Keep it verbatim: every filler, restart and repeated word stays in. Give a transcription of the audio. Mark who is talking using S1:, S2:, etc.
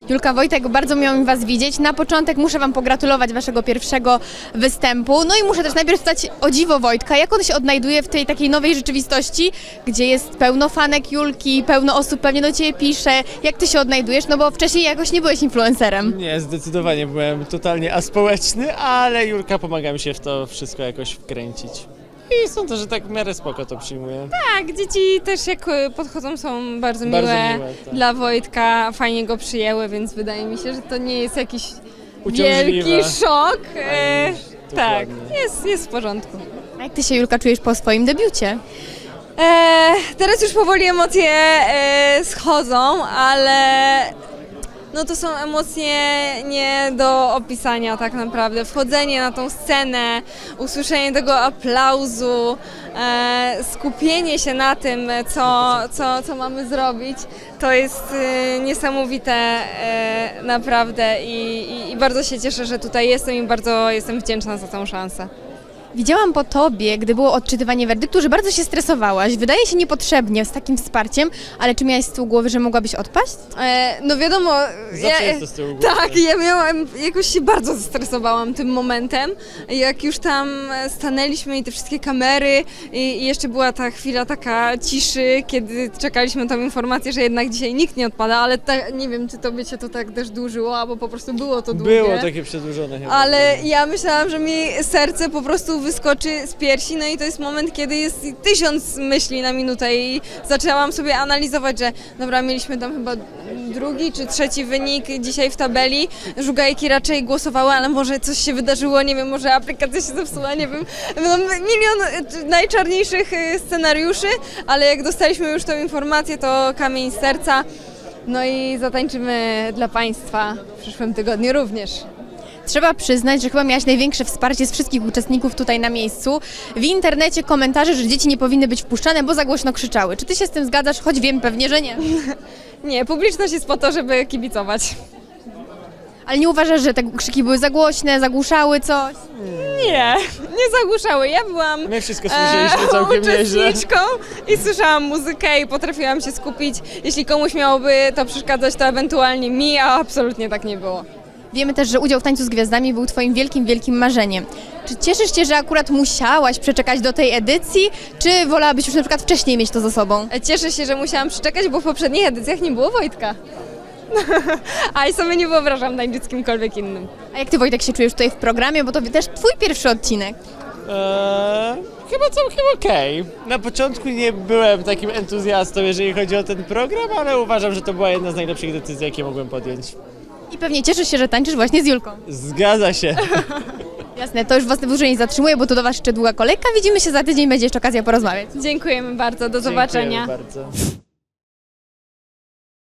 S1: Julka, Wojtek, bardzo miło mi Was widzieć. Na początek muszę Wam pogratulować Waszego pierwszego występu. No i muszę też najpierw spytać o dziwo Wojtka. Jak on się odnajduje w tej takiej nowej rzeczywistości, gdzie jest pełno fanek Julki, pełno osób pewnie do Ciebie pisze. Jak Ty się odnajdujesz? No bo wcześniej jakoś nie byłeś influencerem.
S2: Nie, zdecydowanie byłem totalnie aspołeczny, ale Julka pomaga mi się w to wszystko jakoś wkręcić. I sądzę, że tak w miarę spoko to przyjmuję.
S3: Tak, dzieci też jak podchodzą są bardzo miłe,
S2: Bardzo miłe, tak.
S3: Dla Wojtka, fajnie go przyjęły, więc wydaje mi się, że to nie jest jakiś
S2: Uciążliwe.
S3: wielki szok. E,
S2: Ani-
S3: tak,
S2: dokładnie.
S3: jest, jest w porządku.
S1: A jak Ty się, Julka, czujesz po swoim debiucie?
S3: E, teraz już powoli emocje e, schodzą, ale no to są emocje nie do opisania tak naprawdę. Wchodzenie na tą scenę, usłyszenie tego aplauzu, e, skupienie się na tym, co, co, co mamy zrobić, to jest e, niesamowite e, naprawdę i, i, i bardzo się cieszę, że tutaj jestem i bardzo jestem wdzięczna za tę szansę.
S1: Widziałam po Tobie, gdy było odczytywanie werdyktu, że bardzo się stresowałaś. Wydaje się niepotrzebnie z takim wsparciem, ale czy miałaś z tyłu głowy, że mogłabyś odpaść?
S3: E, no wiadomo,
S2: Zawsze jest to z tyłu głowy.
S3: tak, ja miałam, jakoś się bardzo zestresowałam tym momentem, jak już tam stanęliśmy i te wszystkie kamery i, i jeszcze była ta chwila taka ciszy, kiedy czekaliśmy na tą informację, że jednak dzisiaj nikt nie odpada, ale ta, nie wiem, czy tobie się to tak też dłużyło, albo po prostu było to długie.
S2: Było takie przedłużone chyba.
S3: Ale ja myślałam, że mi serce po prostu wyskoczy z piersi, no i to jest moment, kiedy jest tysiąc myśli na minutę i zaczęłam sobie analizować, że dobra, mieliśmy tam chyba drugi czy trzeci wynik dzisiaj w tabeli, żugajki raczej głosowały, ale może coś się wydarzyło, nie wiem, może aplikacja się zepsuła, nie wiem, no, milion najczarniejszych scenariuszy, ale jak dostaliśmy już tą informację, to kamień z serca, no i zatańczymy dla Państwa w przyszłym tygodniu również.
S1: Trzeba przyznać, że chyba miałaś największe wsparcie z wszystkich uczestników tutaj na miejscu. W internecie komentarze, że dzieci nie powinny być wpuszczane, bo za głośno krzyczały. Czy Ty się z tym zgadzasz? Choć wiem pewnie, że nie.
S3: Nie, publiczność jest po to, żeby kibicować.
S1: Ale nie uważasz, że te krzyki były za głośne, zagłuszały coś?
S3: Nie, nie zagłuszały. Ja byłam
S2: My wszystko słyszeliśmy całkiem nieźle.
S3: uczestniczką i słyszałam muzykę i potrafiłam się skupić. Jeśli komuś miałoby to przeszkadzać, to ewentualnie mi, a absolutnie tak nie było.
S1: Wiemy też, że udział w Tańcu z Gwiazdami był Twoim wielkim, wielkim marzeniem. Czy cieszysz się, że akurat musiałaś przeczekać do tej edycji, czy wolałabyś już na przykład wcześniej mieć to za sobą?
S3: Cieszę się, że musiałam przeczekać, bo w poprzednich edycjach nie było Wojtka. A i sobie nie wyobrażam tańczyć z kimkolwiek innym.
S1: A jak Ty, Wojtek, się czujesz tutaj w programie, bo to też Twój pierwszy odcinek.
S2: Eee, chyba całkiem okej. Na początku nie byłem takim entuzjastą, jeżeli chodzi o ten program, ale uważam, że to była jedna z najlepszych decyzji, jakie mogłem podjąć.
S1: I pewnie cieszysz się, że tańczysz właśnie z Julką.
S2: Zgadza się.
S1: Jasne, to już Was dłużej nie zatrzymuję, bo tu do Was jeszcze długa kolejka. Widzimy się za tydzień, będzie jeszcze okazja porozmawiać.
S3: Dziękujemy bardzo, do zobaczenia.
S2: Dziękujemy bardzo.